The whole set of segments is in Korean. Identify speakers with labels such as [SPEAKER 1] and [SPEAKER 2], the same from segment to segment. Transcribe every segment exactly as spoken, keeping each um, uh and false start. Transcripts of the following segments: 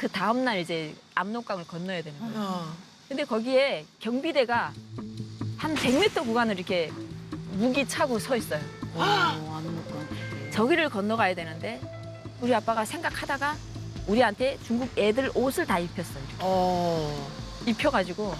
[SPEAKER 1] 그 다음 날 이제 압록강을 건너야 되는 거예요.
[SPEAKER 2] 어.
[SPEAKER 1] 근데 거기에 경비대가 한 백 미터 구간을 이렇게 무기 차고 서 있어요.
[SPEAKER 3] 어, 압록강.
[SPEAKER 1] 저기를 건너가야 되는데 우리 아빠가 생각하다가 우리한테 중국 애들 옷을 다 입혔어요. 이렇게.
[SPEAKER 2] 어.
[SPEAKER 1] 입혀가지고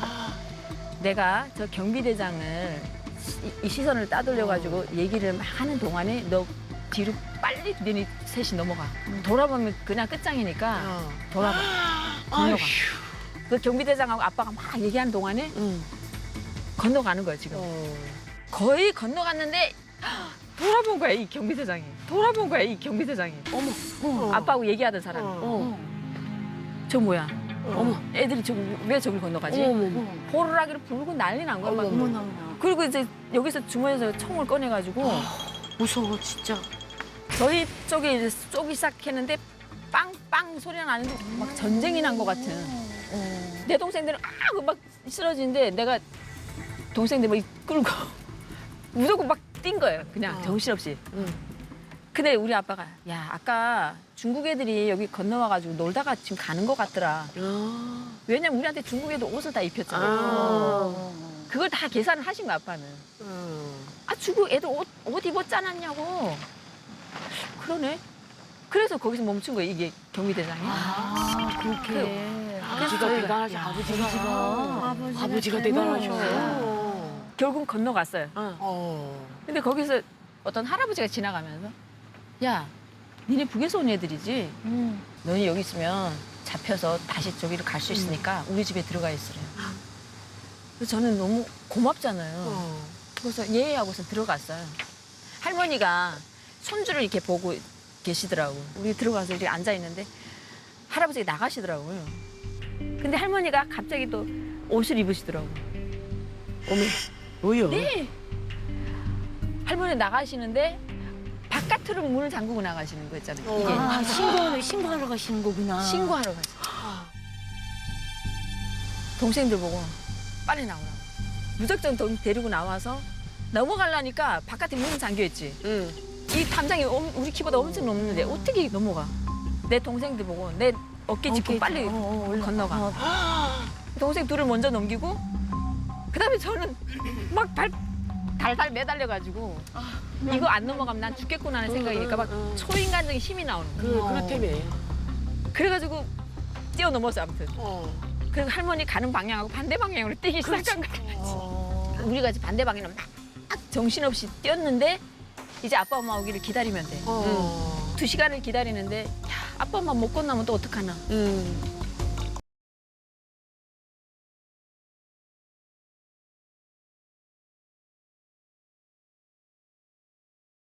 [SPEAKER 1] 내가 저 경비대장을 이, 이 시선을 따돌려가지고 얘기를 막 하는 동안에 너 뒤로 빨리 너네 셋이 넘어가. 돌아보면 그냥 끝장이니까
[SPEAKER 2] 어.
[SPEAKER 1] 돌아봐. 건너가.
[SPEAKER 2] 아휴.
[SPEAKER 1] 그 경비대장하고 아빠가 막 얘기하는 동안에
[SPEAKER 2] 응.
[SPEAKER 1] 건너가는 거예요, 지금.
[SPEAKER 2] 어.
[SPEAKER 1] 거의 건너갔는데 돌아본 거야, 이 경비대장이. 돌아본 거야, 이 경비대장이.
[SPEAKER 3] 어머, 어머,
[SPEAKER 2] 어.
[SPEAKER 1] 아빠하고 얘기하던 사람이.
[SPEAKER 2] 어.
[SPEAKER 3] 어,
[SPEAKER 1] 저 뭐야?
[SPEAKER 2] 어머.
[SPEAKER 1] 애들이 저기 왜 저길 건너가지?
[SPEAKER 2] 어머.
[SPEAKER 3] 어머,
[SPEAKER 1] 호루라기를 불고 난리 난 거야. 막.
[SPEAKER 2] 어머.
[SPEAKER 3] 어머나, 어머나.
[SPEAKER 1] 그리고 이제 여기서 주머니에서 총을 꺼내가지고
[SPEAKER 3] 무서워, 진짜.
[SPEAKER 1] 저희 쪽에 이제 쏘기 시작했는데 빵빵 소리가 나는데 막 전쟁이 난 것 같은.
[SPEAKER 3] 어.
[SPEAKER 1] 내 동생들은 아! 막 쓰러지는데 내가 동생들 막 끌고 무조건 막 뛴 거예요. 그냥
[SPEAKER 2] 어.
[SPEAKER 1] 정신없이.
[SPEAKER 2] 응.
[SPEAKER 1] 근데 우리 아빠가 야 아까 중국 애들이 여기 건너와가지고 놀다가 지금 가는 것 같더라.
[SPEAKER 2] 아.
[SPEAKER 1] 왜냐면 우리한테 중국 애들 옷을 다 입혔잖아.
[SPEAKER 2] 아.
[SPEAKER 1] 그걸 다 계산을 하신 거야 아빠는.
[SPEAKER 2] 응.
[SPEAKER 1] 아 중국 애들 옷, 옷 입었지 않았냐고. 그러네. 그래서 거기서 멈춘 거예요 이게 경비대장이.
[SPEAKER 3] 아, 그렇게.
[SPEAKER 2] 아버지가
[SPEAKER 1] 저희가-
[SPEAKER 2] 대단하셔.
[SPEAKER 3] 야,
[SPEAKER 2] 아버지가.
[SPEAKER 3] 아버지가.
[SPEAKER 2] 아버지가
[SPEAKER 3] 잘
[SPEAKER 2] 대단하셔.
[SPEAKER 3] 몰라요.
[SPEAKER 1] 결국 건너갔어요.
[SPEAKER 2] 어.
[SPEAKER 1] 근데 거기서 어떤 할아버지가 지나가면서 야 니네 북에서 온 애들이지.
[SPEAKER 3] 음.
[SPEAKER 1] 너희 여기 있으면 잡혀서 다시 저기를 갈 수 있으니까 우리 집에 들어가 있으래요. 그래서 저는 너무 고맙잖아요.
[SPEAKER 2] 어.
[SPEAKER 1] 그래서 예 하고서 들어갔어요. 할머니가 손주를 이렇게 보고 계시더라고. 우리 들어가서 이렇게 앉아 있는데 할아버지가 나가시더라고요. 근데 할머니가 갑자기 또 옷을 입으시더라고.
[SPEAKER 2] 어머. 뭐야?
[SPEAKER 1] 네. 할머니 나가시는데 바깥으로 문을 잠그고 나가시는 거 있잖아요.
[SPEAKER 2] 어.
[SPEAKER 1] 이게
[SPEAKER 3] 아, 신고하러, 신고하러 가시는 거구나.
[SPEAKER 1] 신고하러 가시. 동생들 보고 빨리 나오라고. 무작정 동- 데리고 나와서 넘어가려니까 바깥에 문은 잠겨 있지.
[SPEAKER 2] 응.
[SPEAKER 1] 이 담장이 엄- 우리 키보다 엄청 넘는데 어떻게 넘어가? 내 동생들 보고 내 어깨 짚고
[SPEAKER 3] 어깨
[SPEAKER 1] 빨리
[SPEAKER 3] 짚고, 어, 어, 올라-
[SPEAKER 1] 건너가.
[SPEAKER 3] 어.
[SPEAKER 1] 동생 둘을 먼저 넘기고 그다음에 저는 막 발 달달 매달려가지고 이거 안 넘어가면 난 죽겠구나 하는 생각이니까 막
[SPEAKER 2] 응, 응.
[SPEAKER 1] 초인간적인 힘이 나오는 거예요.
[SPEAKER 2] 그, 그렇다며.
[SPEAKER 1] 그래가지고 뛰어넘었어 아무튼.
[SPEAKER 2] 어.
[SPEAKER 1] 그래서 할머니 가는 방향하고 반대 방향으로 뛰기 시작한 거예요.
[SPEAKER 2] 어.
[SPEAKER 1] 우리 같이 반대 방향으로 막 정신없이 뛰었는데 이제 아빠 엄마 오기를 기다리면 돼.
[SPEAKER 2] 어.
[SPEAKER 1] 두 시간을 기다리는데 야, 아빠 엄마 못 건너면 또 어떡하나.
[SPEAKER 2] 응.